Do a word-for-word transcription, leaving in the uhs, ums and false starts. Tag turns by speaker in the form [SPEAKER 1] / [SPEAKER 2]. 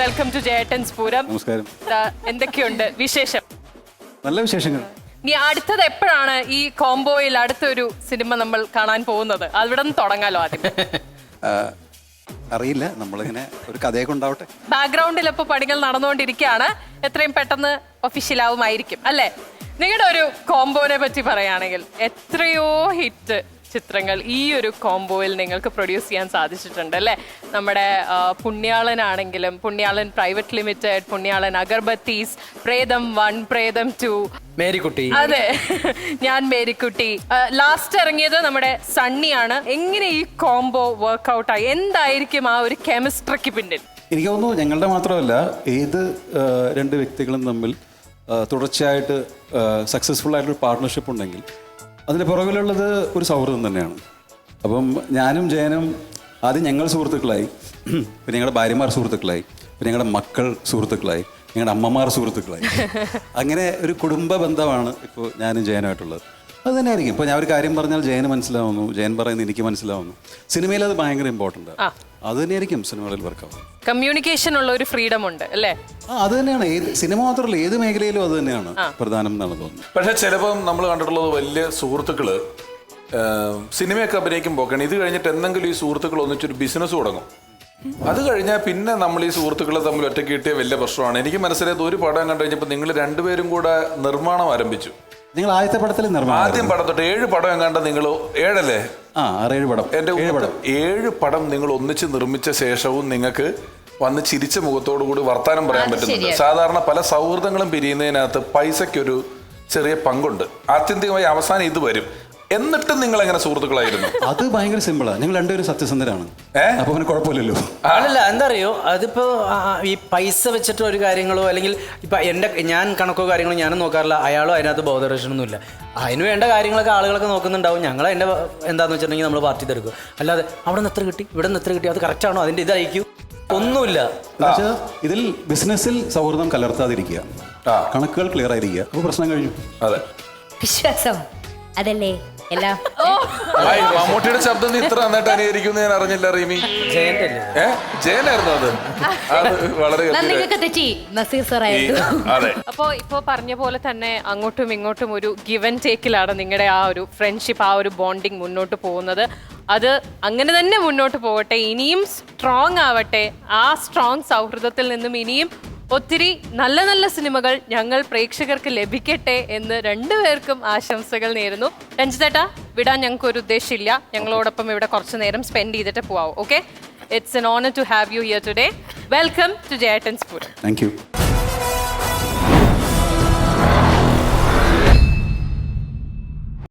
[SPEAKER 1] Welcome to Jayettan's Pooram.
[SPEAKER 2] നമസ്കാരം.
[SPEAKER 1] എന്തൊക്കെയുണ്ട് വിശേഷം?
[SPEAKER 2] നല്ല വിശേഷങ്ങൾ.
[SPEAKER 1] ഇനി അടുത്തത് എപ്പോഴാണ് ഈ കോംബോയിൽ അടുത്തൊരു സിനിമ നമ്മൾ കാണാൻ പോകുന്നത്? അവിടെ നിന്ന് തുടങ്ങാലോ ആദ്യം.
[SPEAKER 2] അറിയില്ല, നമ്മളിങ്ങനെ ഒരു കഥയൊക്കെ ഉണ്ടാവട്ടെ.
[SPEAKER 1] ബാക്ക്ഗ്രൗണ്ടിൽ ഇപ്പോൾ പണികൾ നടന്നുകൊണ്ടിരിക്കുകയാണ്. എത്രയും പെട്ടെന്ന് ഒഫീഷ്യലാവുമായിരിക്കും അല്ലേ? നിങ്ങളുടെ ഒരു കോംബോനെ പറ്റി പറയുകയാണെങ്കിൽ എത്രയോ ഹിറ്റ് ചിത്രങ്ങൾ ഈ ഒരു കോംബോയിൽ നിങ്ങൾക്ക് പ്രൊഡ്യൂസ് ചെയ്യാൻ സാധിച്ചിട്ടുണ്ട് അല്ലേ? നമ്മുടെ പുണ്യാളനാണെങ്കിലും Punyalan private limited, Punyalan Agarbattis, Pretham one, പ്രേതം ടു,
[SPEAKER 3] മേരിക്കുട്ടി.
[SPEAKER 1] അതെ, ഞാൻ മേരിക്കുട്ടി. ലാസ്റ്റ് ഇറങ്ങിയത് നമ്മുടെ സണ്ണിയാണ്. എങ്ങനെ ഈ കോംബോ വർക്ക്ഔട്ടായി? എന്തായിരിക്കും ആ ഒരു കെമിസ്ട്രിക്ക് പിന്നിൽ?
[SPEAKER 2] എനിക്ക് തോന്നുന്നു ഞങ്ങളുടെ മാത്രമല്ല ഏത് രണ്ട് വ്യക്തികളും തമ്മിൽ തുടർച്ചയായിട്ട് സക്സസ്ഫുൾ ആയിട്ടൊരു പാർട്ട്ണർഷിപ്പ് ഉണ്ടെങ്കിൽ അതിന് പുറകിലുള്ളത് ഒരു സൗഹൃദം തന്നെയാണ്. അപ്പം ഞാനും ജയനും ആദ്യം ഞങ്ങൾ സുഹൃത്തുക്കളായി, പിന്നെ ഞങ്ങളുടെ ഭാര്യമാർ സുഹൃത്തുക്കളായി, പിന്നെ ഞങ്ങളുടെ മക്കൾ സുഹൃത്തുക്കളായി, ഞങ്ങളുടെ അമ്മമാർ സുഹൃത്തുക്കളായി. അങ്ങനെ ഒരു കുടുംബ ബന്ധമാണ് ഇപ്പോൾ ഞാനും ജയനുമായിട്ടുള്ളത്. അത് തന്നെയായിരിക്കും. ഇപ്പോൾ ഞാൻ ഒരു കാര്യം പറഞ്ഞാൽ ജയന് മനസ്സിലാവുന്നു, ജയൻ പറയുന്നത് എനിക്ക് മനസ്സിലാവുന്നു. സിനിമയിൽ അത് ഭയങ്കര ഇമ്പോർട്ടൻ്റ് ആണ്. അത് തന്നെയായിരിക്കും സിനിമകളിൽ വർക്കാവുന്നത്.
[SPEAKER 1] കമ്മ്യൂണിക്കേഷൻ ഉള്ള ഒരു ഫ്രീഡം ഉണ്ട് അല്ലേ?
[SPEAKER 2] ആ, അത് തന്നെയാണ്. ഏത് സിനിമ മാത്രമല്ല, ഏത് മേഖലയിലും അത് തന്നെയാണ് പ്രധാനം എന്നാണ് തോന്നുന്നത്.
[SPEAKER 4] പക്ഷേ ചിലപ്പം നമ്മൾ കണ്ടിട്ടുള്ളത് വലിയ സുഹൃത്തുക്കള് സിനിമയൊക്കെ അഭിനയിക്കുമ്പോൾ ഇത് കഴിഞ്ഞിട്ട് എന്തെങ്കിലും ഈ സുഹൃത്തുക്കൾ ഒന്നിച്ചൊരു ബിസിനസ് തുടങ്ങും. അത് കഴിഞ്ഞാൽ പിന്നെ നമ്മൾ ഈ സുഹൃത്തുക്കളെ തമ്മിൽ ഒറ്റയ്ക്ക് കിട്ടിയ വലിയ പ്രശ്നമാണ്. എനിക്ക് മനസ്സിലായത് ഒരു പടം കണ്ടു കഴിഞ്ഞപ്പോൾ നിങ്ങൾ രണ്ടുപേരും കൂടെ നിർമ്മാണം ആരംഭിച്ചു.
[SPEAKER 2] നിങ്ങൾ ആദ്യത്തെ പടത്തിൽ നിർമ്മാണം
[SPEAKER 4] ആദ്യം പടം തൊട്ട് ഏഴ് പടം എങ്ങാണ്ട് നിങ്ങൾ ഏഴല്ലേ?
[SPEAKER 2] ആ, ആറേഴ് പടം.
[SPEAKER 4] എന്റെ ഏഴ് പടം നിങ്ങൾ ഒന്നിച്ച് നിർമ്മിച്ച ശേഷവും നിങ്ങൾക്ക് വന്ന് ചിരിച്ച മുഖത്തോടു കൂടി വർത്താനം പറയാൻ പറ്റുന്നുണ്ട്. സാധാരണ പല സൗഹൃദങ്ങളും പിരിയുന്നതിനകത്ത് പൈസയ്ക്കൊരു ചെറിയ പങ്കുണ്ട്. ആത്യന്തികമായി അവസാനം ഇത് വരും. എന്നിട്ടും നിങ്ങൾ എങ്ങനെ സുഹൃത്തുക്കളായിരുന്നു?
[SPEAKER 2] അത് ഭയങ്കര സിമ്പിളാണ്. നിങ്ങൾ രണ്ടുപേരും സത്യസന്ധരാണ്. അപ്പൊ പിന്നെ കുഴപ്പമില്ലല്ലോ.
[SPEAKER 3] അല്ലല്ല, എന്താ അറിയോ, അതിപ്പോ ഈ പൈസ വെച്ചിട്ട് ഒരു കാര്യങ്ങളോ അല്ലെങ്കിൽ ഇപ്പൊ എന്റെ ഞാൻ കണക്കോ കാര്യങ്ങളോ ഞാനും നോക്കാറില്ല, അയാളോ അതിനകത്ത് ബോധരക്ഷണമൊന്നുമില്ല. അതിന് വേണ്ട കാര്യങ്ങളൊക്കെ ആളുകളൊക്കെ നോക്കുന്നുണ്ടാവും. ഞങ്ങൾ അതിന്റെ എന്താന്ന് വെച്ചിട്ടുണ്ടെങ്കിൽ നമ്മൾ പാർട്ടി തീർക്കും. അല്ലാതെ അവിടെ നിന്ന് എത്ര കിട്ടി, ഇവിടെ നിന്ന് എത്ര കിട്ടി, അത് കറക്റ്റ് ആണോ, അതിന്റെ ഇതായിരിക്കും, ഒന്നുമില്ല.
[SPEAKER 2] ഇതിൽ ബിസിനസ്സിൽ സൗഹൃദം കലർത്താതിരിക്കുക, കണക്കുകൾ ക്ലിയർ ആയിരിക്കുക, അപ്പൊ പ്രശ്നം കഴിഞ്ഞു.
[SPEAKER 4] അതെ,
[SPEAKER 5] വിശ്വാസം അതല്ലേ എല്ലാം.
[SPEAKER 4] മമ്മൂട്ടിയുടെ ശബ്ദം ഇത്ര നന്നായിട്ട് അനുകരിക്കുന്നു ഞാൻ അറിഞ്ഞില്ല. റീമി
[SPEAKER 3] ജയന്റെ
[SPEAKER 4] ഏ ജയനായിരുന്നു അത്. അത് വളരെ
[SPEAKER 1] അപ്പോ ഇപ്പോ പറഞ്ഞ പോലെ തന്നെ അങ്ങോട്ടും ഇങ്ങോട്ടും ഒരു ഗിവ് ആൻഡ് ടേക്കിലാണ് നിങ്ങളുടെ ആ ഒരു ഫ്രണ്ട്ഷിപ്പ്, ആ ഒരു ബോണ്ടിങ് മുന്നോട്ട് പോകുന്നത്. അത് അങ്ങനെ തന്നെ മുന്നോട്ട് പോകട്ടെ, ഇനിയും സ്ട്രോങ് ആവട്ടെ. ആ സ്ട്രോങ് സൗഹൃദത്തിൽ നിന്നും ഇനിയും ഒത്തിരി നല്ല നല്ല സിനിമകൾ ഞങ്ങൾ പ്രേക്ഷകർക്ക് ലഭിക്കട്ടെ എന്ന് രണ്ടുപേർക്കും ആശംസകൾ നേരുന്നു. രഞ്ജിത്തേട്ടാ, വിടാൻ ഞങ്ങൾക്ക് ഒരു ഉദ്ദേശമില്ല. ഞങ്ങളോടൊപ്പം ഇവിടെ കുറച്ച് നേരം സ്പെൻഡ് ചെയ്തിട്ട് പോവാം. Okay, it's an honour to have you here today. Welcome to Jayettan's Pooram.
[SPEAKER 2] Thank U.